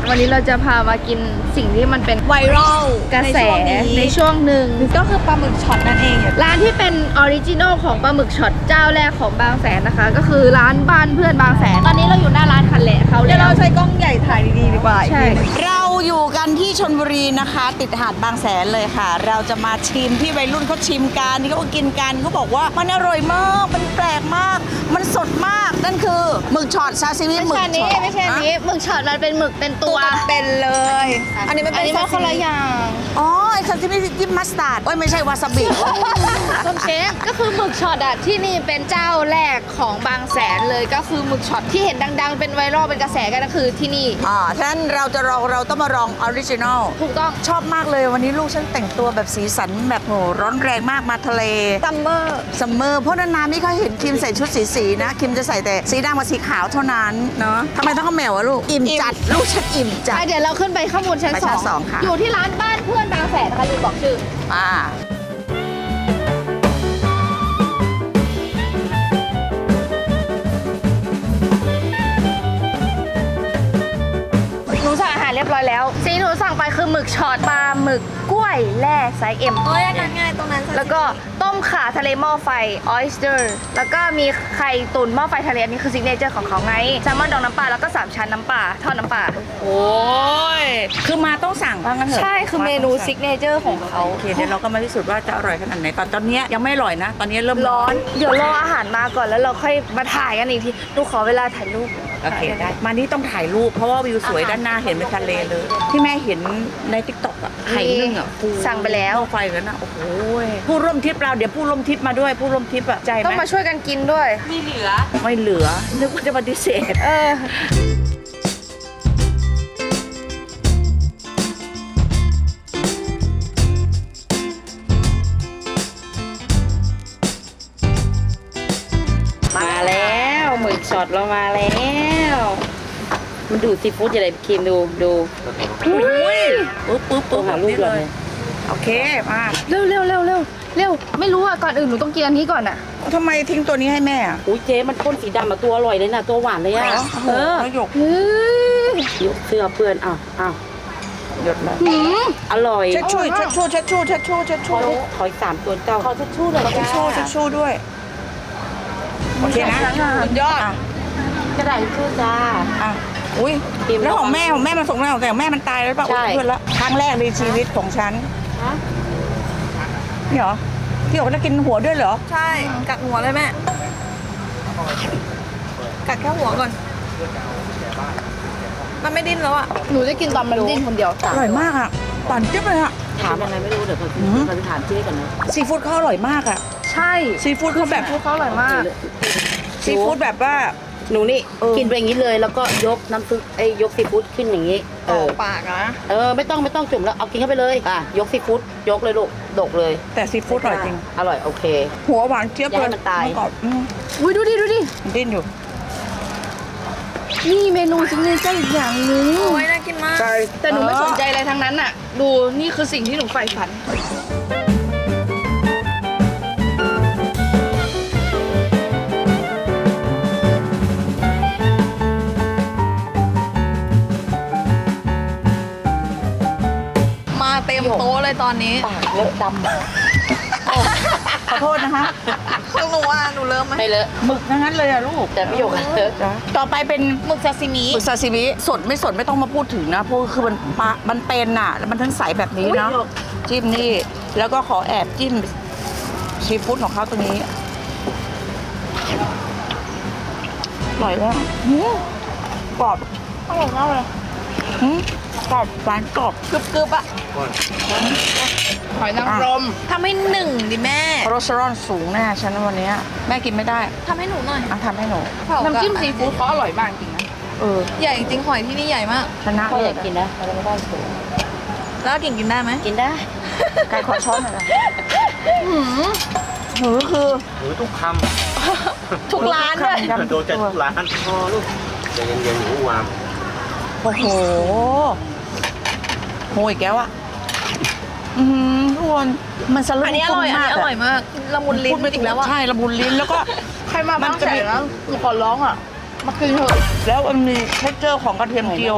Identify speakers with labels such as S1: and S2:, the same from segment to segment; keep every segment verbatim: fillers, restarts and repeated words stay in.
S1: วันนี้เราจะพามากินสิ่งที่มันเป็น
S2: ไวรัล
S1: กระแสในช่วงหนึ่ง
S2: ก็คือปลาหมึกช็อตนั่นเอง
S1: ร้านที่เป็นออริจินอลของปลาหมึกช็อตเจ้าแรกของบางแสนนะคะ ก็คือร้านบ้านเพื่อนบางแสน ตอนนี้เราอยู่หน้าร้านคันแหละเขา
S2: เดี๋ยว
S1: แล้
S2: เรา
S1: ว
S2: ใช้กล้องใหญ่ถ่ายดีๆดีกว่า
S1: ใช่
S3: เราอยู่กันที่ชลบุรีนะคะ ติดหาดบางแสนเลยค่ะ เราจะมาชิมที่วัยรุ่นเขาชิมกันที่เขากินกันเขาบอกว่ามันอร่อยมากมันแปลกมาก มันสดมากนั่นคือหมึกช็อตซาซิมิ
S1: ไม่
S3: หมึก
S1: ใช่
S3: ช็
S1: นี้
S3: อต
S1: ไม่ใช่นี้หมึกช็อตมันเป็นหมึกเป็นตัว
S2: เป็นเลย อันนี้มัน
S1: อั
S2: เป็น น
S1: นี้มันคนละอย่าง
S3: อ๋อไอ้ซาซิมิจิ้มมัสตาร์ดโอ้ยไม่ใช่วาซาบิ
S1: คุณเชฟก็คือหมึกช็อตอะที่นี่เป็นเจ้าแรกของบางแสนเลยก็คือหมึกช็อตที่เห็นดังๆเป็นไวรัลเป็นกระแสกันก็คือที่นี่
S3: อ่าฉะนั้นเราจะลองเราต้องมาลองออริจินอล
S1: ถูกต้อง
S3: ชอบมากเลยวันนี้ลูกฉันแต่งตัวแบบสีสันแบบโหร้อนแรงมากมาทะเล
S2: ซัมเมอร์
S3: ซัมเมอร์เพราะนานๆไม่ค่อยเห็นคิมใส่ชุดสีสีๆนะคิมจะใส่แต่สีดำกับสีขาวเท่านั้นเนาะทำไมต้องเอาแมวอะลูกอิ่มจัดลูกฉันอิ่มจัด
S1: อ่ะเดี๋ยวเราขึ้นไปข้างบนชั้น
S3: ไป
S1: ส
S3: ชั้
S1: อน ง
S3: สองค่ะ
S1: อยู่ที่ร้านบ้านเพื่อนบางแสนนะคะลืมบอกชื่อ
S3: อ่า
S1: หนูสั่งอาหารเรียบร้อยแล้วสิ่งที่หนูสั่งไปคือหมึกช็อตปลาหมึกกล้วยแร่ไซส์เอ็ม
S2: โอ้ยอันนั้นไงตรงนั้น
S1: แล้วก็ต้มข่าทะเลหม้อไฟ oyster แล้วก็มีไข่ตุ๋นหม้อไฟทะเลอันนี้คือซิกเนเจอร์ของเขาไงแซลมอนดองน้ำปลาแล้วก็สามชั้นน้ำปลาทอดน้ำปลา
S3: โอ้ยคือมาต้องสั่งว่างั้นเถอะ
S1: ใช่คือเมนูซิกเนเจอร์ของเขา
S3: โอเคเดี๋ยวเราก็มาพิสูจน์ว่าจะอร่อยขนาดไหนตอนตอนนี้ยังไม่อร่อยนะ ตอนนี้เริ่ม
S1: ร้อน เดี๋ยวรออาหารมาก่อนแล้วเราค่อยมาถ่ายกันอีกทีหนูขอเวลาถ่ายรูป
S3: โอเคได้มานี่ต้องถ่ายรูปเพราะว่าวิวสวยด้านหน้าเห็นเป็นทะเลเลย ที่แม่เห็นในทิกตอกอะไข่นึ่งอะ
S1: สั่งไปแล้ว
S3: ไฟกันนะโอ้โหผู้ร่วมทริปเราเดี๋ยวผู้ร่วมทริปมาด้วยผู้ร่วมทริปอะใจไหม
S1: ต้องมาช่วยกันกินด้วย
S3: ไม่เหลือนึกว่าจะปฏิเสธ
S1: เออ
S4: มาแล้วหมึกช็อตเรามาแล้ว มันดูดซีฟู้ดอย่างไรครีมดูดู
S3: อุ้ยปุ๊บปุ๊บ
S4: ตัว
S3: ปุ๊บ
S4: หาลูกเลย
S3: โอเคมา
S1: เร็วเร็วเร็วเร็วเร็วไม่รู้อ่ะก่อนอื่นหนูต้องกินอันนี้ก่อนอ่ะ
S3: ทำไมทิ้งตัวนี้ให้แม่อะ
S4: อุ้ยเจ๊มันพ่นสีดำอะตัวอร่อยเลยนะตัวหวานเลยอะ
S3: เอ
S4: เอ
S3: อ
S4: อ
S3: หยก
S1: เฮ้ย
S4: ยกเสื้อเปื้อนอ้าวอ้าว
S3: หยดเลย
S1: หืม
S4: อร่อย
S3: เช็ดชู่เช็ดชู่เช็ดชู่เช็ดชู่เช็ด
S4: ข
S3: ชู่
S4: อขออีกสามตัวเจ้าขอทิชชู่หน่อย
S3: เช็ด
S4: จ้า
S3: ชู่เช็ดชู่ด้วยโอเคนะสุดยอดอ่ะ
S4: กระดาษทิชชู่จ้า
S3: อ่ะอุ้ย
S4: พิมพ์
S3: แล้วของแม่ของแม่มันส่งแล้วแต่ของแม่มันตายแล้วป่ะ
S4: ใช่
S3: อุ้ยเพื่อนละครั้งแรกในชีวิตของฉัน
S4: ฮะ
S3: นี่เหรอที่บอกจะกินหัวด้วยเหรอ
S2: ใช่กัดหัวเลยแม่กัดแค่หัวก่อน มันไม่ดิ้นแล้วอ่ะ
S1: หนูจะกินตอนมันดิ้นคนเดียว
S3: อร่อยมากอ่ะปั่นจิ๊บเลยอ่ะ
S4: ถามยังไงไม่รู้เดี๋ยวเขา
S3: อืม
S4: เขาจะถามเจ๊ก่อนนะ
S3: ซีฟู้ดเขาอร่อยมากอ่ะ
S1: ใช่
S3: ซีฟู้ดเขาแบบ
S1: พวกเขาอร่อยมาก
S3: ซีฟู้ดแบบว่า
S4: หนูนี่
S3: เออ
S4: กินไปอย่างนี้เลยแล้วก็ยกน้ำซุปไอ้ยยกซีฟู้ดขึ้นอย่างนี้ เอ
S2: ออ
S4: อ
S2: กปากนะ
S4: เออไม่ต้องไม่ต้องจุ่มแล้วเอากินเข้าไปเลยอ่ะยกซีฟู้ดยกเลยลูกดกเลย
S3: แต่ซีฟู้ดอร่อยจริง
S4: อร่อยโอเค
S3: หัวหวานเจี๊ยบ
S4: อย่า
S3: เล
S4: ให้
S3: ย
S4: มันตาย
S3: กรอบอืม
S1: อุ้ยดูดิดูดิ
S3: มันดิ้นอยู่
S1: นี่เมนูซิกเนเจอร์อีกอย่างหนึง
S2: โอ้ยน่ากินมาก
S3: ใช่
S1: แต่หนูไม่สนใจอะไรทั้งนั้นอ่ะ ดูนี่คือสิ่งที่หนูใฝ่ฝัน
S2: มาเต็มโต๊ะเลยตอนนี้
S4: ปากเลอะด
S3: ขอโทษนะคะ
S2: ข้างหนูอ่ะหนูเริ่มไหม
S4: ำไม่เลอะ
S3: หมึกทั้งนั้นเลยอะลูก
S4: แต่พี่หยกอะเลอะ
S3: ต่อไปเป็น
S2: หมึกซาซิมิ
S3: หมึกซาซิมิสดไม่สดไม่ต้องมาพูดถึงนะเพราะคือมันปะมันเป็นน่ะแล้วมันทั้งใสแบบนี้เนาะจิ้มนี่แล้วก็ขอแอบจิ้มซีฟู้ดของเขาตรงนี้อร่อยมากหืมกรอบ
S2: อร่อยมากเลย
S3: หืมกรอบหวานกรอบ
S2: กรึบกรึบๆอ่ะ
S1: หอยนางรม
S2: ทำให้หนึ่งดิแม่
S3: คอเลสเตอรอลสูงแน่ฉันวันนี้แม่กินไม่ได้
S2: ทำให้หนูหน่อย
S3: อ่ะทำให้หนู
S2: เผา
S1: น้ำจิ้ม
S2: กั
S1: ซีฟู้ดเขาอร่อยมากจริงนะ
S3: เออ
S2: ใหญ่จริงหอยที่นี่ใหญ่มาก
S3: ชนะ
S4: พ่อ
S3: เล
S4: อย ยากกินนะเราไม่ได้สูง
S2: แล้วกิ่งกินได้ไหม
S4: กินได้
S3: ไก่ขอช้อนหน่อยนะ
S2: หืม
S3: หือคือ
S5: หรือทุกค
S2: ทุกร้านด้วย
S5: ำโดนใจทุกร้านพอลูกใจเย็นๆหนูวาม
S3: โอ้โหโหอีกแล้วอ่ะอืมทุกคนมันสลุ
S2: อันนี้อร่อย อันนี้อร่อยมาก ละมุนลิ้นอีกแล้วอ่ะ
S3: ใช่ละมุนลิ้นแล้วก็
S1: ใครมาบางแสนแล้วหนูขอร้องอ่ะ มากินเถอะ
S3: แล้วมันมีเท็กเจอร์ของกระเทียมเจียวอ่ะ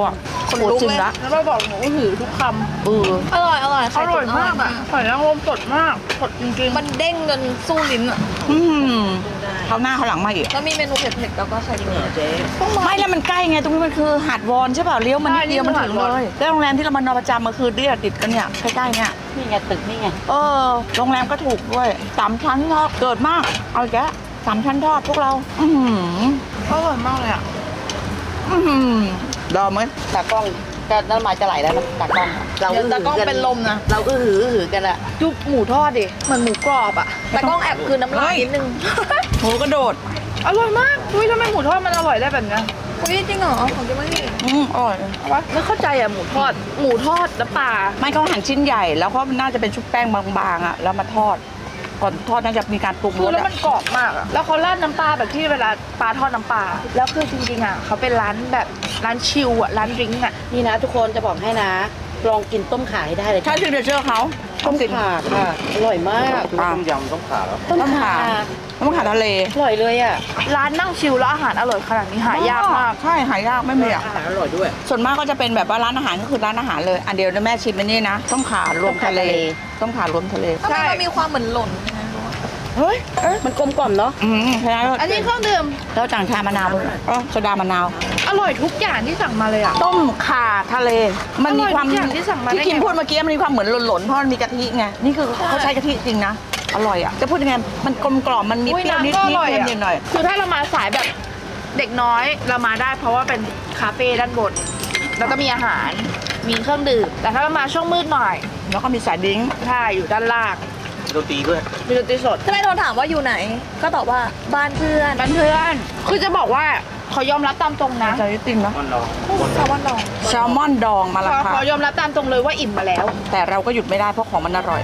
S3: คนลุกจริงละ
S1: แล้วมาบอกหนูหือทุกค
S3: เออ
S2: อร่อยอร่อย
S1: ำ
S2: ไข่
S1: อร่อย
S2: ตุ๋น
S1: มากอ่ะหอยนางรมสดมากสดจริงๆ
S2: มันเด้งจนสู้ลิ้นอะ
S3: อืมเขาหน้าเขาหลังมาอีก
S2: แล้วมีเมนูเผ็ดๆแล้วก็ไข่ตุ๋น
S5: เจ๊
S3: ไม่แล้วมันใกล้ไงตรงนี้มันคือหาดวอนใช่เปล่าเลี้ยวมันนิดเดียวมันถึงเลยแล้วโรงแรมที่เรามานอนประจำมันคือเดียติดกันเนี่ยใกล้ๆเนี่ย
S4: นี่ไงตึกนี่ไง
S3: เออโรงแรมก็ถูกด้วยสามชั้นทอดเกิดมากเอาอีกแล้วสามชั้นทอดพวกเรา อือหือ
S1: อร่อยมากเลยอ่ะ
S3: อือหือรอไหมตากล้องก็น้ำลายจะไหลแล้วนะตากล้องเรา
S2: เดี๋ยวตากล้องเป็นลมนะ
S3: เราก็หือหือกันอะ
S1: จุ๊บหมูทอดดิเหมือนหมูกรอบอ่ะ
S2: แต่กล้องแอบคืนน้ำลายนิดนึง
S3: หมูกระโดด
S1: อร่อยมากอุ้ยทำไมหมูทอดมันอร่อยได้แบบเนี้ย
S2: อุ้ยจริงเหรอของกินไม่ดี
S3: อืมอร่อย
S1: เอาวะไม่เข้าใจอ่ะหมูทอด หมูทอดน้ำปลา
S3: ไม่เขาหั่นชิ้นใหญ่แล้วก็น่าจะเป็นชุบแป้งบางๆอะแล้วมาทอด ก่อนทอดน่าจะมีการปรุง
S1: คื
S3: ร
S1: อ
S3: ส
S1: แล้ว
S3: อะ
S1: มันกรอบมากอ่ะแล้วเขาราดน้ำปลาแบบที่เวลาปลาทอดน้ำปลาแล้วคือจริงๆอ่ะเขาเป็นร้านแบบร้านชิลอ่ะร้านดริงก์อ่ะ
S4: นี่นะทุกคนจะบอกให้นะ ลองกินต้มขาให้ได้เลย
S3: ใช่ซิกเนเจอร์เขา
S4: ต้ม
S3: กิน
S4: ขาค่ะ อร่อยมาก
S5: ต้มยำต้องขาแล้ว
S3: ต้มขาต้มขาทะเล
S4: อร่อยเลยอ่ะ
S1: ร้านนั่งชิลแล้วอาหารอร่อยขนาดนี้หายากมาก
S3: ใช่หายากไม่มีอะ
S5: อาหารอร่อยด้วย
S3: ส่วนมากก็จะเป็นแบบว่าร้านอาหารก็คือร้านอาหารเลย อันเดียวนะแม่ชิมอันนี้นะต้มขารวมทะเลต้มขารวมทะเล
S2: ทำไมมันมีความเหมือนหล่น
S3: เฮ้ยเอ๊ะ
S4: มันกลมกล่อมเนาะ
S3: อืมใช่แล้ว
S1: อันนี้เครื่องดื่ม
S3: แล้วต่างชามะนาวด้วยอ๋อโซดามะนาว
S1: อร่อยทุกอย่างที่สั่งมาเลยอ่ะ
S3: ต้มข่าทะเล มันมีความ
S1: อร่อยทุกอย่างที่สั่งมาได้
S3: ที่คิม
S1: ไง
S3: พูดเมื่อกี้มันมีความเหมือนหล่นๆเพราะมันมีกะทิไงนี่คือเขาใช้กะทิจริงนะอร่อยอ่ะจะพูดยังไงมันกลมกล่อมมันมี
S1: อุ้ย
S3: เปรี้ยวนิด
S1: น้ำก็อ
S3: นิด
S1: ร่อย
S3: เค็ม
S1: อ่ะ
S3: นิดหน่อย
S1: คือถ้าเรามาสายแบบเด็กน้อยเรามาได้ เพราะว่าเป็นคาเฟ่ด้านบนแล้วก็มีอาหารมีเครื่องดื่มแต่ถ้าเรามาช่วงมืดหน่อย
S3: แล้วก็มีสายดิ้ง
S1: ใช่อยู่ด้านล่าง
S5: โรตีด้วย
S1: มีดนตรีสด
S2: ถ้าไม่โทรถามว่าอยู่ไหน ก็ตอบว่าบ้านเพื่อน
S1: บ้านเพื่อนคือจะบอกว่าเขายอมรับตามตรงนะ
S3: ใจจริงเนาะ
S5: มันรอง
S2: แซลมอนดอง
S3: แซลมอนดองมาและ
S1: เขา
S3: ค่ะ
S1: เขายอมรับตามตรงเลยว่าอิ่มมาแล้ว
S3: แต่เราก็หยุดไม่ได้เพราะของมันอร่อย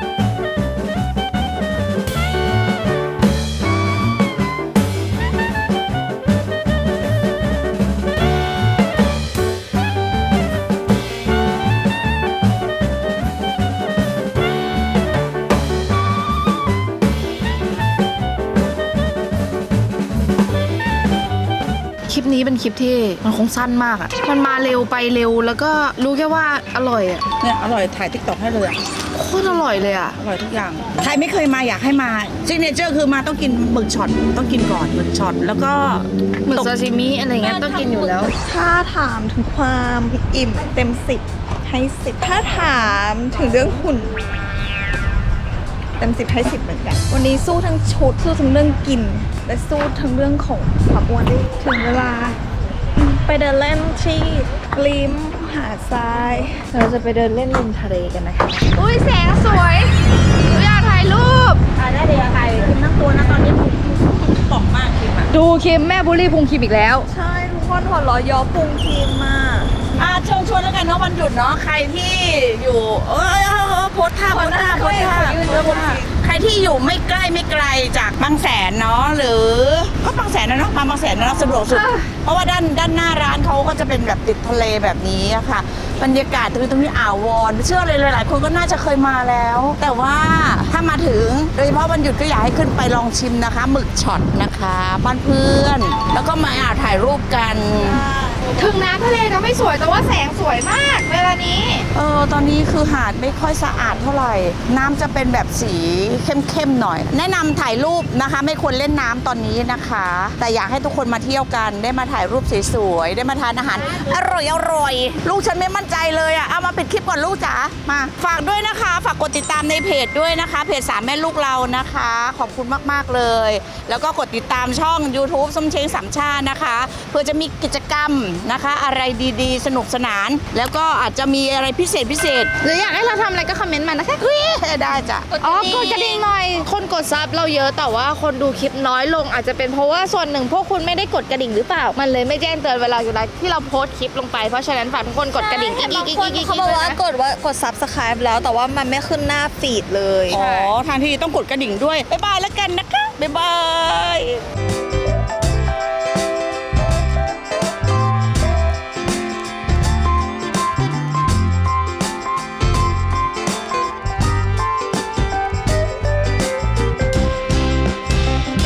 S1: คลิปนี้เป็นคลิปที่มันคงสั้นมากอ่ะมันมาเร็วไปเร็วแล้วก็รู้แค่ว่าอร่อยอ่ะ
S3: เนี่ยอร่อยถ่ายทิกตอกให้เลยอะ
S1: โคตรอร่อยเลยอ่ะ
S3: อร่อยทุกอย่าง ใครไม่เคยมาอยากให้มาซิกเนเจอร์คือมาต้องกินหมึกช็อตต้องกินก่อนหมึกช็อตแล้วก็
S1: หมึกซาซิมิอะไรเงี้ยต้องกินอยู่แล้ว
S2: ถ้าถามถึงความอิ่มเต็มสิบให้สิบถ้าถามถึงเรื่องหุ่นเต็มสิบให้สิบเหมือนกัน วันนี้สู้ทั้งชุดสู้ทั้งเรื่องกิน และสู้ทั้งเรื่องของความอ้วนถึงเวลาไปเดินเล่นที่ริมหาดทราย
S1: เราจะไปเดินเล่นริมทะเลกันนะคะอุ้ยแสงสวยหนูอยากถ่ายรูป
S3: ได้เดี๋ยวใครคิมทั้งตัวนะตอนนี้กล่องมากคิมอ่ะ
S1: ดูคิมแม่บุรีพุงคิมอีกแล้ว
S2: ใช่ทุกคนหัวเร้อยยอพุงครีมมาก
S3: อ่าเชิญชวนแล้วกันเนาะวันหยุดเนาะใครที่อยู่เออเออเออโพสท่าโพสท่าโพสท่าโพสท่าใครที่อยู่ไม่ใกล้ไม่ไกลจากบางแสนเนาะหรือก็บางแสนนะเนาะมาบางแสนนะเนาะสะดวกสุด เพราะว่าด้านด้านหน้าร้านเขาก็จะเป็นแบบติดทะเลแบบนี้อะค่ะ บรรยากาศตรงนี้ตรงนี้อ่าววอนเชื่อเลยหลายๆคนก็น่าจะเคยมาแล้ว แต่ว่าถ้ามาถึงโดยเฉพาะวันหยุดก็อยากให้ขึ้นไปลองชิมนะคะหมึกช็อตนะคะบ้านเพื่อน แล้วก็มาอ่าถ่ายรูปกัน
S1: ถึงน้ำทะเลจะไม่สวยแต่ว่าแสงสวยมากเวลานี้
S3: เออตอนนี้คือหาดไม่ค่อยสะอาดเท่าไหร่ น้ำจะเป็นแบบสีเข้มๆหน่อย แนะนำถ่ายรูปนะคะ ไม่ควรเล่นน้ำตอนนี้นะคะ แต่อยากให้ทุกคนมาเที่ยวกัน ได้มาถ่ายรูปสวยๆได้มาทานอาหาร อร่อยอร่อยๆลูกฉันไม่มั่นใจเลยอะเอามาปิดคลิปก่อนลูกจ๋ามาฝากด้วยนะคะ ฝากกดติดตามในเพจด้วยนะคะ เพจสามแม่ลูกเรานะคะ ขอบคุณมากๆเลย แล้วก็กดติดตามช่อง YouTube ส้มเช้งสามชาตินะคะเพื่อจะมีกิจกรรมนะคะ อะไรดีๆ สนุกสนาน แล้วก็อาจจะมีอะไรพิเศษพิเศษ
S1: หรืออยากให้เราทำอะไรก็คอมเมนต์มานะคะ
S3: เฮ้ยได้จ้ะ
S1: อ๋อกดกระดิ่งหน่อย คนกดซับเราเยอะแต่ว่าคนดูคลิปน้อยลงอาจจะเป็นเพราะว่าส่วนหนึ่งพวกคุณไม่ได้กดกระดิ่งหรือเปล่า มันเลยไม่แจ้งเตือนเวลาอยู่แล้วที่เราโพสต์คลิปลงไปเพราะฉะนั้นฝากทุกคนกดกระดิ่งอีกอีกอีก
S2: บางคน
S1: อีกอีก
S2: เขาบอกว่ากดว่ากด subscribe แล้วแต่ว่ามันไม่ขึ้นหน้าฟีดเลย
S3: อ๋อ ทางที่ต้องกดกระดิ่งด้วย บ๊ายบายแล้วกันนะคะ บ๊ายบาย